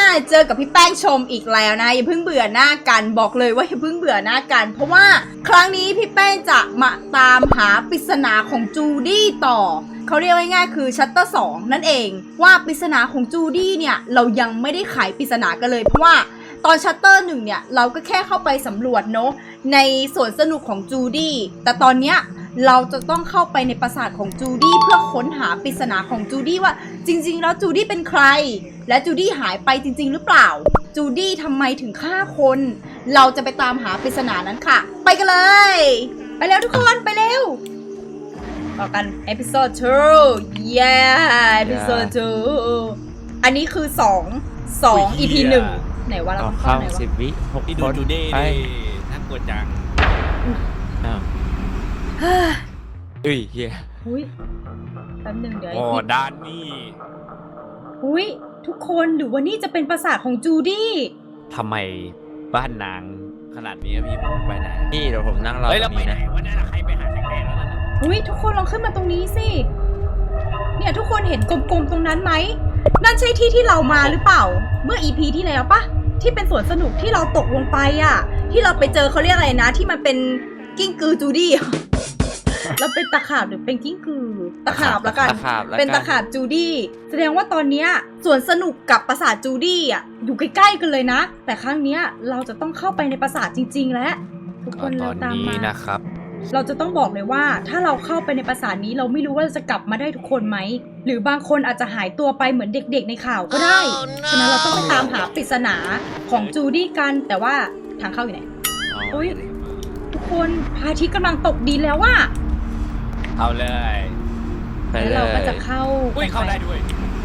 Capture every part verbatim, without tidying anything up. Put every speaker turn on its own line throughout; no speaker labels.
เจอกับพี่แป้งชมอีกแล้วนะอย่าเพิ่งเบื่อหน้ากันบอกเลยว่าอย่าเพิ่งเบื่อหน้ากันเพราะว่าครั้งนี้พี่แป้งจะมาตามหาปริศนาของจูดี้ต่อเขาเรียกง่ายๆคือชัตเตอร์สองนั่นเองว่าปริศนาของจูดี้เนี่ยเรายังไม่ได้ไขปริศนากันเลยเพราะว่าตอนชัตเตอร์หนึ่งเนี่ยเราก็แค่เข้าไปสำรวจเนาะในสวนสนุกของจูดี้แต่ตอนเนี้ยเราจะต้องเข้าไปในปราสาทของจูดี้เพื่อค้นหาปริศนาของจูดี้ว่าจริงๆแล้วจูดี้เป็นใครและจูดี้หายไปจริงๆหรือเปล่าจูดี้ทำไมถึงฆ่าคนเราจะไปตามหาปริศนานั้นค่ะไปกันเลยไปแล้วทุกคนไปเร็วต่อกันเอพิโซดสอง yeah เอพิโซดสองอันนี้คือสอง สอง อี พี หนึ่งไหนว่าเรา
ต่อ
เข้า
เข้า
ไหนวะ
สิบวิหก
ที่
ค
ดู
น
จูเด้
ไป
น่ากลัวจัง
อ้าวเอ้ยเฮีย
อุ้ยแป๊บหนึงเดี๋ยว
โอ้ด้านนี่
อุ้ยทุกคนหรือว่านี่จะเป็นปราสาทของจูดี้
ทำไมบ้านนางขนาดนี้พี่ผมไปไหน
พี่เดี๋ยวผมนั่งรอ
เฮ้ย
ต
เรา
รง
ไป
นี้
ไหน
นะ
วะเนี่ยใครไปหาแสงแดดแล้วนั่นน่ะ
อุ้ยทุกคนลองขึ้นมาตรงนี้สิเนี่ยทุกคนเห็นกลมๆตรงนั้นไหมนั่นใช่ที่ที่เรามาหรือเปล่าเมื่อ อี พี ที่แล้วปะที่เป็นสวนสนุกที่เราตกลงไปอ่ะที่เราไปเจอเขาเรียกอะไรนะที่มันเป็นกิ้งกือจูดี้อะ เราเป็นตะขาบหรือเป็นกิ้งกือตะขาบละกัน
ตะขาบแล้ว
เป็นตะขาบจูดี้แสดงว่าตอนเนี้ยสวนสนุกกับปราสาทจูดี้อ่ะอยู่ใกล้ๆกันเลยนะแต่ครั้งเนี้ยเราจะต้องเข้าไปในปราสาทจริงๆแล้วทุกคน
ต
เรา
อน
ตาม
นี้
มา
นะครับ
เราจะต้องบอกเลยว่าถ้าเราเข้าไปในปราสาทนี้เราไม่รู้ว่าจะกลับมาได้ทุกคนไหมหรือบางคนอาจจะหายตัวไปเหมือนเด็กๆในข่าวก็ได้ ฉะนั้นเราต้องไปตามหาปริศนาของจูดี้กันแต่ว่าทางเข้าอยู่ไหน อุ๊ย ทุกคนพระอาทิตย์กำลังตกดินแล้วว่า
เอาเลย
ไป
แล้ว
เล
เราก็
ย
จะเข้า
อุ้ยเข้าได้ด้วย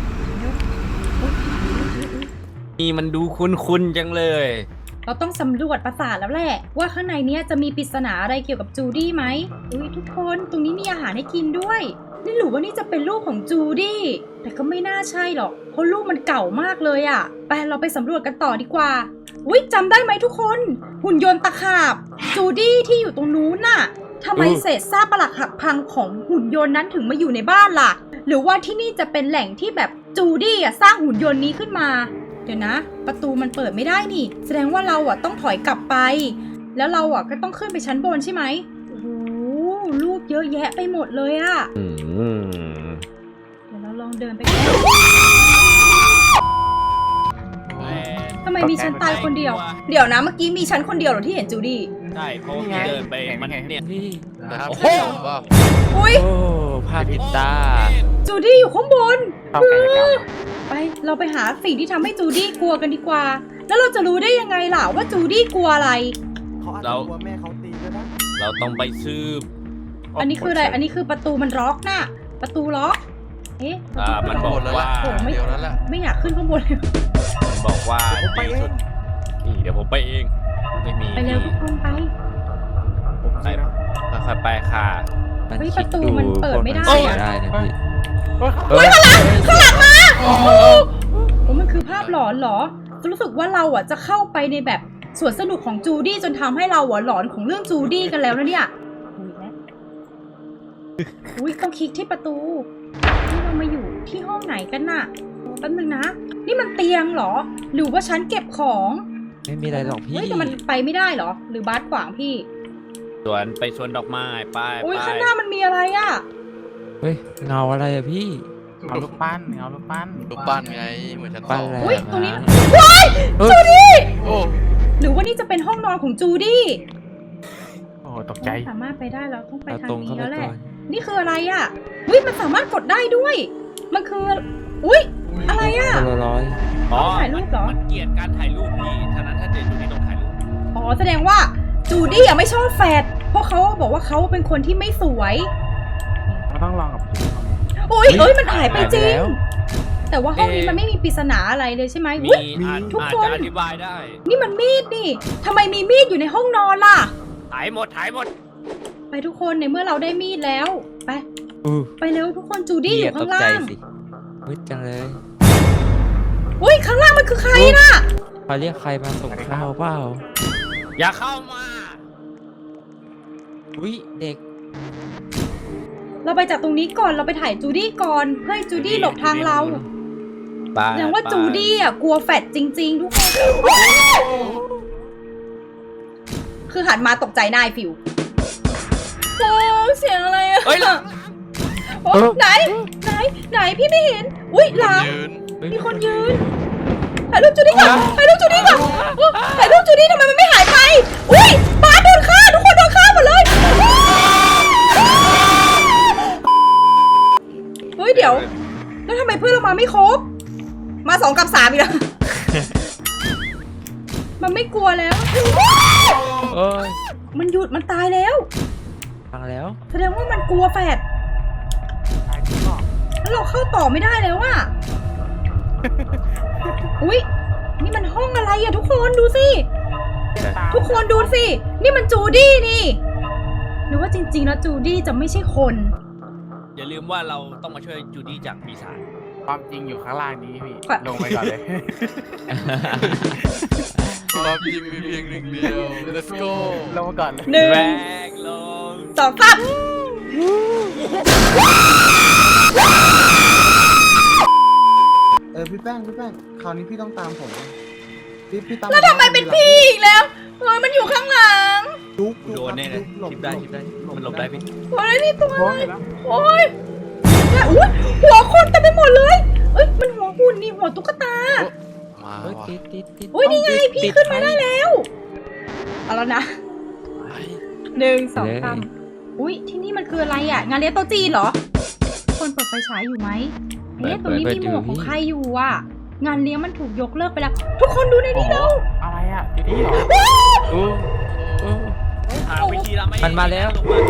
นี่มันดูคุ้นๆจังเลย
เราต้องสำรวจปราสาทแล้วแหละว่าข้างในเนี้ยจะมีปริศนาอะไรเกี่ยวกับจูดี้ไหมอุ้ยทุกคนตรงนี้มีอาหารให้กินด้วยนี่หรือว่านี่จะเป็นลูกของจูดี้แต่ก็ไม่น่าใช่หรอกเพราะลูกมันเก่ามากเลยอะไปเราไปสำรวจกันต่อดีกว่าอุ้ยจำได้ไหมทุกคนหุ่นยนต์ตะขาบจูดี้ที่อยู่ตรงนู้นน่ะทำไมเศษซากปรักหักพังของหุ่นยนต์นั้นถึงมาอยู่ในบ้านล่ะหรือว่าที่นี่จะเป็นแหล่งที่แบบจูดี้อะสร้างหุ่นยนต์นี้ขึ้นมาเดี๋ยวนะประตูมันเปิดไม่ได้นี่แสดงว่าเราอะต้องถอยกลับไปแล้วเราอะก็ต้องขึ้นไปชั้นบนใช่ไหมโอ้โหรูปเยอะแยะไปหมดเลยอะ
อืม
เดี๋ยวเราลองเดินไปกันทำไมมีฉันตายคนเดียว เดี๋ยวนะเมื่อกี้มีฉันคนเดียวเหรอที่เห็นจูดี้
ใช่เพราะว่าเดินไปมันเนี่ย
พี่
นะครับ
โอ้โห
อุ้ย
โอ้ภาพติดตา
จูดี้อยู่ข้างบน
เข้าใกล้กัน
ไปเราไปหาสิ่งที่ทำให้จูดี้กลัวกันดีกว่า แล้วเราจะรู้ได้ยังไงล่ะว่าจูดี้กลัวอะไร
เขาอาจจะกลัวแม่เขาตีก็ได้
เราต้องไปซื้อ
อันนี้คืออะไรอันนี้คือประตูมันล็อกน่ะประตูล็อกเอ๊ะ
อ่ามันบอกว่า
โอ้ไม่
เดี๋ยวนั้นแหละ
ไม่อยากขึ้นข้างบนเลย
มันบอกว่า
ผมไปเอง
นี่เดี๋ยวผมไปเองไม่มี
ไปเร็วทุกคนไป
ผม
ไป
สินะ
ค่อยๆไปค่ะ
มัน
เฮ้ย
คิด
ประตู
ดู
มันเปิดไม่ได้
คน
อะ
นได้นะพี่
เฮ้ยข้างหลัง
ข้างหลังข้างหลังมา
โอ้โหมันคือภาพหลอนเหรอรู้สึกว่าเราอ่ะจะเข้าไปในแบบสวนสนุกของจูดี้จนทำให้เราอ่ะหลอนของเรื่องจูดี้กันแล้วนะเนี่ยอุ้ยแล้วอุ้ยต้องคลิกที่ประตูนี่เรามาอยู่ที่ห้องไหนกันน่ะแป๊บนึงนะ นี่มันเตียงเหรอ หรือว่าชั้นเก็บของ
ไม่มีอะไรหรอกพี่
เฮ้ยแต่มันไปไม่ได้เหรอ หรือบาสขวางพี่
สวนไปสวนดอกไม้ไป
อุ้ย
ไป
ข้างหน้ามันมีอะไรอ่ะ
เฮ้ยเงาอะไรอะพี่
เอาลูกปั้นเอาลูกปั้น
รูปปั้นไงเหมือนชั้นส
ปั้น
อง
อะไร
อุ๊ยตรงนี้
ว้ายจูดี้
โอ้
หรือว่านี่จะเป็นห้องนอนของจูดี้
โอ้ตกใจ
สามารถไปได้เราต้องไป
เอา
ทาง
ตรงเข้า
นี้
ไป
แล้วแห
ก่
ละ
อน
นี่คืออะไรอ่ะอุ้ยมันสามารถกดได้ด้วย มันคือ อุ้ยอะไรอ่ะ
คนละร้อย
อ๋อ
ถ่ายรูปเหรอ
มันเกลียดการถ่ายรูปพี่ฉะนั้นถ้าเจอจุดนี้ต้องถ่ายรูป
อ๋อแสดงว่าจูดี้อ่ะไม่ชอบแฟดเพราะเขาบอกว่าเขาเป็นคนที่ไม่สวย
เราต้องลองกับผี
อุ้ยเอ้ยมันหายไปจริง
แล้ว
แต่ว่าห้องนี้มันไม่มีปริศนาอะไรเลยใช่ไหม
มี
อุ๊ย
อาจ
ทุก
อาจ
คน
จะอธิบายได้
นี่มันมีดนี่ทำไมมีมีดอยู่ในห้องนอนล่ะ
ถ่ายหมดถ่ายหมด
ไปทุกคนในเมื่อเราได้มีดแล้ว ไป
อู้
ไปเร็วทุกคนจูดี้อ
พี่
ยู่
ต
ข้าก ง
ใจ
ล่าง
สิมืดจังเลย
อุ้ยข้างล่างมันคือใครน่ะ
เขาเรียกใครมาส่งข้าวเปล่า
อย่าเข้ามา
อุ้ยเด็ก
เราไปจากตรงนี้ก่อนเราไปถ่ายจูดี้ก่อนเพื่อให้จูดี้หลบทางเรา
ปาด
แสดงว่า
ปา
จูดี้อ่ะกลัวแฟดจริงๆทุกคนคือหันมาตกใจหน้าไอ้ฟิวโอ้เสียงอะไรอะ
เฮ้ยหลัง
โอ้ไหนไหนไหนพี่ไม่เห็นอุ้ยหลัง
ยืน
มีคนยืนถ่ายรูปจูดี้ก่อนถ่ายรูปจูดี้ก่อนโอ้ถ่ายรูปจูดี้ทำไมมันไม่หายไปอุ้ยบาสโดนฆ่าทุกคนโดนฆ่าหมดเลยเฮ้ยเดี๋ยวแล้วทำไมเพื่อนเรามาไม่ครบมาสองกับสามอีกแล้ว มันไม่กลัวแล้ว
เอ้ย
มันหยุดมันตายแล้ว
ฟังแล้ว
แสดงว่ามันกลัวแฟด
ตายจริงหรอ
แล้วเราเข้าต่อไม่ได้แล้วอะ อุ๊ยนี่มันห้องอะไรอะทุกคนดูสิ ทุกคนดูสิ นี่มันจูดี้นี่ หรือว่าจริงๆแล้วจูดี้จะไม่ใช่คน
อย่าลืมว่าเราต้องมาช่วยจูดี้จากปีศาจ
ความจริงอยู่ข้างล่างนี้พี่
ค่ะ
ลงไปก่อนเลย
ความจริงมีเพียงหนึ่งเดียว let's go
ลงมาก่อนเลย
หนึ่ง
แรงลง
สองสาม
เออพี่แป้งพี่แป้งคราวนี้พี่ต้องตามผมนะพี่พี่ตาม
แล้วทำไมเป็นพี่อีกแล้วเฮ้ยมันอยู่ข้างหลัง
จุ๊บ
กูโดนแน่เลย
หลบ
ทิปได้ทิปได้มันหลบได้พี่
โอ้ยนี่ตัว
โอ้
อะไร
ยแล้ว
โอ้ยเนี่ยอุ๊ยหัวคนเต็มไปหมดเลย เอ้ยมันหัวหุ่นนี่หัวตุ๊กตา
มา
เฮ้ย
ว่ะ
ติดติดติด
อุ้ยนี่ไงพี่ขึ้นมาได้แล้วเอาแล้วนะ
ไป
หนึ่งสองสามอุ้ยที่นี่มันคืออะไรอ่ะ งานเลี้ยงโต๊ะจีนเหรอ คนเปิดไฟฉายอยู่ไหมเอ๊ะตรงนี้มีหมวกของใครอยู่อ่ะ งานเลี้ยงมันถูกยกเลิกไปแล้ว ทุกคนดูในนี้แล้ว
อะไรอ่ะอยู่นี่เหรอ
โอ้โอ้
หาวิธีละไม่
มันมาแล้ว
ลงมา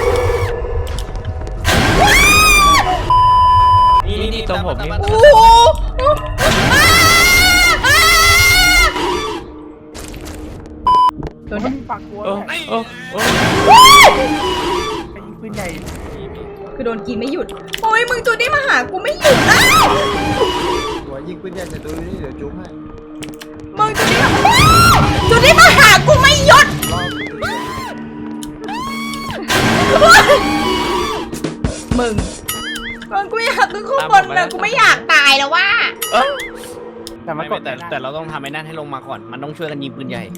นี่
นี่นี่ตรงผมนี่
โอ้โหอ้าอ้าโดน
มันมีปากกลัว
โอ้
ด้วย
โอ้โอ้
ไอ้ยิงปืนใหญ่
คือโดนกินไม่หยุด โอ้ยมึงจูดี้มาหากูไม่หยุดอ้าว
หัวยิงปืนใหญ่แต่ตัวนี้เดี๋ยวจุ๊บให้
มึงจูดี้มาจูดี้มาหากูไม่หยุด
รอบ
มึงมึงกูอยากขึ้นข้างบนเลยกูไม่อยากตายแล้วว่า
แต่มัน
ไม่
ก
ไม่
ด
แต่
ไม่ได้
แต่เราต้องทำไอ้นั่นให้ลงมาก่อน มันต้องช่วยกันยิงปืนใหญ่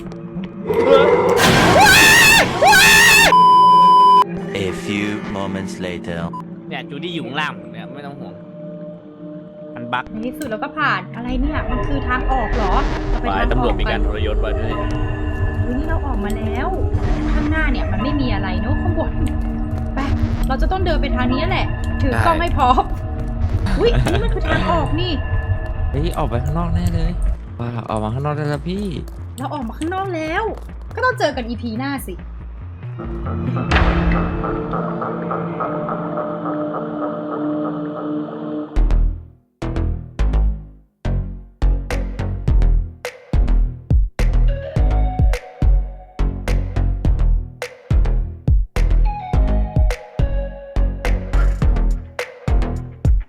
A few moments later.
เนี่ยจูดี้อยู่ข้างล่างเนี่ยไม่ต้องห่วง มันบั๊ก
ในที่สุดเราก็ผ่านอะไรเนี่ยมันคือทางออกเหรอเราไป
ฝ่าย
ทางอ
ตำรว
อ
จ
ก
มี
กั
กาน รทรยศไว้ด้วย
วันนี้เราออกมาแล้ว ข้างหน้าเนี่ยมันไม่มีอะไรเนอะข้างบนไปเราจะต้องเดินไปทางนี้แหละ ถือกล้องให้พร้อมอุ้ยนี่มันคือทางออกนี่
เฮ้ยออกไปข้างนอกแน่เลยว้าวออกมาข้างนอกได้แล้วพี่
เราออกมาข้างนอกแล้ว ก็ต้องเจอกันอีพีหน้าสิ